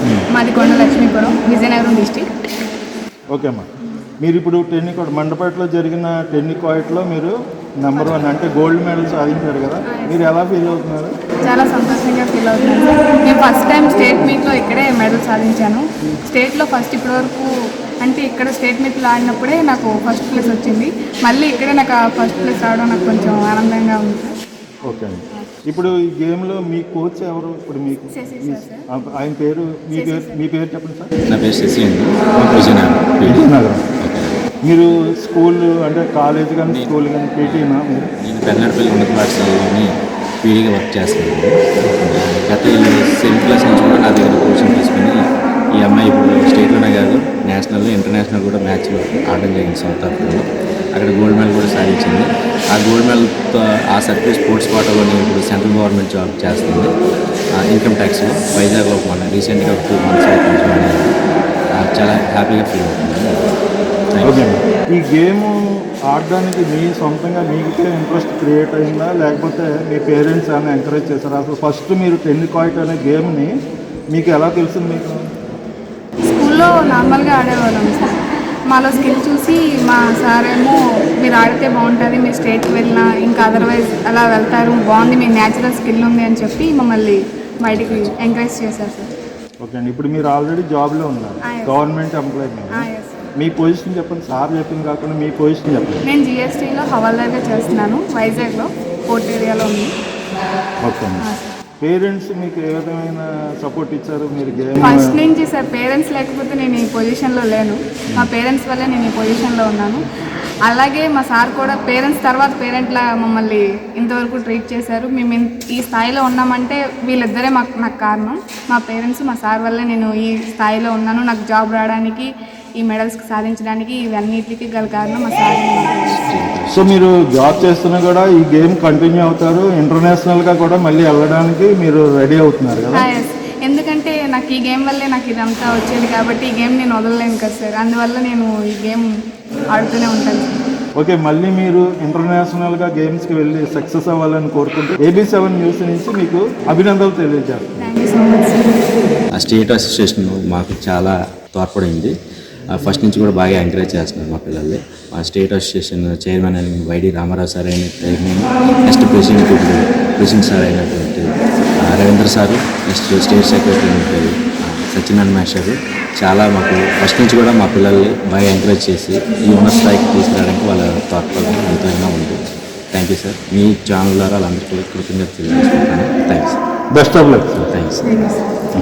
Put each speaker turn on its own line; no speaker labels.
మాది కొండ Lakshmipuram, Vizianagaram district.
Okay అమ్మా, మీరు ఇప్పుడు టెన్నికాయిట్ మండపేటలో జరిగిన టెన్నికాయిట్లో మీరు నెంబర్ 1 అంటే గోల్డ్ మెడల్ సాధించారు కదా, మీరు ఎలా ఫీల్ అవుతున్నారు?
చాలా సంతోషంగా ఫీల్ అవుతున్నాను సార్. నేను ఫస్ట్ టైం స్టేట్ మీట్లో ఇక్కడే మెడల్ సాధించాను. స్టేట్లో ఫస్ట్ ఇప్పటివరకు అంటే ఇక్కడ స్టేట్ మీట్లో ఆడినప్పుడే నాకు ఫస్ట్ ప్లేస్ వచ్చింది. మళ్ళీ ఇక్కడే నాకు ఆ ఫస్ట్ ప్లేస్ రావడం నాకు కొంచెం ఆనందంగా ఉంది సార్.
ఓకే అండి. ఇప్పుడు ఈ గేమ్లో మీ కోచ్ ఎవరు? ఇప్పుడు మీకు ఆయన పేరు, మీ పేరు చెప్పండి సార్.
నా పేరు శశి అండి,
విజయనగరం. మీరు స్కూల్ అంటే కాలేజ్ కానీ స్కూల్ కానీ పీటీనా మీరు?
నేను పెన్నడపల్లి ఉన్నత పాఠశాలలోని పీడీగా వర్క్ చేస్తున్నాను. గత 7th క్లాస్ నుంచి కూడా నా దగ్గర కోచింగ్ తీసుకుని ఈ అమ్మాయి ఇప్పుడు స్టేట్లోనే కాదు నేషనల్ ఇంటర్నేషనల్ కూడా మ్యాచ్లో ఆడడం జరిగింది సౌత్ ఆఫ్రికాలో. అక్కడ గోల్డ్ మెడల్ కూడా సాధించింది. ఆ గోల్డ్ మెడల్తో ఆ సర్టిఫికేట్ స్పోర్ట్స్ కోటాలోని ఇప్పుడు సెంట్రల్ గవర్నమెంట్ జాబ్ చేస్తుంది. ఇన్కమ్ ట్యాక్స్లో వైజాగ్లో మన రీసెంట్గా 2 months కొంచెం చాలా హ్యాపీగా ఫీల్ అవుతుంది.
ఓకే, ఈ గేమ్ ఆడడానికి మీ సొంతంగా మీకే ఇంట్రెస్ట్ క్రియేట్ అయిందా, లేకపోతే మీ పేరెంట్స్ ఏమైనా ఎంకరేజ్ చేశారా? అసలు ఫస్ట్ మీరు టెన్నికాయిట్ అనే గేమ్ని మీకు ఎలా తెలిసింది? మీకు
స్కూల్లో నార్మల్గా ఆడేవాళ్ళం సార్. మాలో స్కిల్ చూసి మా సార్ ఏమో మీరు ఆడితే బాగుంటుంది, మీరు స్టేట్కి వెళ్ళినా ఇంకా అదర్వైజ్ అలా వెళ్తారు, బాగుంది, మీ న్యాచురల్ స్కిల్ ఉంది అని చెప్పి మమ్మల్ని బయటికి ఎంకరేజ్ చేశారు సార్.
ఓకే అండి, ఇప్పుడు మీరు ఆల్రెడీ జాబ్లో ఉన్నారు, గవర్నమెంట్ ఎంప్లాయీ. మీ పొజిషన్ చెప్పండి, సార్ చెప్పింది కాకుండా మీ పొజిషన్ చెప్పండి.
నేను జిఎస్టీలో హవాల్దార్గా చేస్తున్నాను, వైజాగ్లో పోర్ట్ ఏరియాలో ఉంది.
ఓకే అండి. పేరెంట్స్ మీకు ఏ విధమైన సపోర్ట్ ఇచ్చారు? మీరు గేమ్
ఫస్ట్ నుంచి సార్ పేరెంట్స్ లేకపోతే నేను ఈ పొజిషన్లో లేను, మా పేరెంట్స్ వల్లే నేను ఈ పొజిషన్లో ఉన్నాను. అలాగే మా సార్ కూడా పేరెంట్స్ తర్వాత పేరెంట్లా మమ్మల్ని ఇంతవరకు ట్రీట్ చేశారు. మేము ఈ స్థాయిలో ఉన్నామంటే వీళ్ళిద్దరే నాకు కారణం. మా పేరెంట్స్ మా సార్ వల్లే నేను ఈ స్థాయిలో ఉన్నాను. నాకు జాబ్ రావడానికి, ఈ మెడల్స్ సాధించడానికి ఇవన్నిటికీ గల కారణం మా సార్.
సో మీరు జాబ్ చేస్తున్నా కూడా ఈ గేమ్ కంటిన్యూ అవుతారు, ఇంటర్నేషనల్గా కూడా మళ్ళీ వెళ్ళడానికి మీరు రెడీ అవుతున్నారు కదా?
ఎందుకంటే నాకు ఈ గేమ్ వల్లే నాకు ఇదంతా వచ్చేది కాబట్టి ఈ గేమ్ నేను వదలలేను కదా సార్, అందువల్ల నేను ఈ గేమ్ ఆడుతూనే ఉంటాను.
ఓకే, మళ్ళీ మీరు ఇంటర్నేషనల్గా గేమ్స్కి వెళ్ళి సక్సెస్ అవ్వాలని కోరుకుంటూ AB7 న్యూస్ నుంచి మీకు అభినందనలు తెలియజేస్తాను.
Thank you so much sir.
ఆ స్టేట్ అసోసియేషన్ మాకు చాలా తోడ్పడింది. ఫస్ట్ నుంచి కూడా బాగా ఎంకరేజ్ చేస్తున్నారు మా పిల్లల్ని. ఆ స్టేట్ అసోసియేషన్ చైర్మన్ అయిన వైడి రామారావు సార్ అయినట్టు, నెక్స్ట్ ప్రెసిడెంట్ సార్ అయినటువంటి Ravindra sir, next state secretary అయినటువంటి సత్యనారాయణ మాస్టర్ చాలా మాకు ఫస్ట్ నుంచి కూడా మా పిల్లల్ని బాగా ఎంకరేజ్ చేసి ఈ ఉన్నత స్థాయికి తీసుకురావడానికి వాళ్ళ తోడ్పడడం ఎంతైనా ఉంది. Thank you sir. మీ ఛానల్ ద్వారా వాళ్ళందరికీ కృతజ్ఞతలు తెలియజేసుకుంటున్నాను. Thanks.
Best of luck.
Thanks.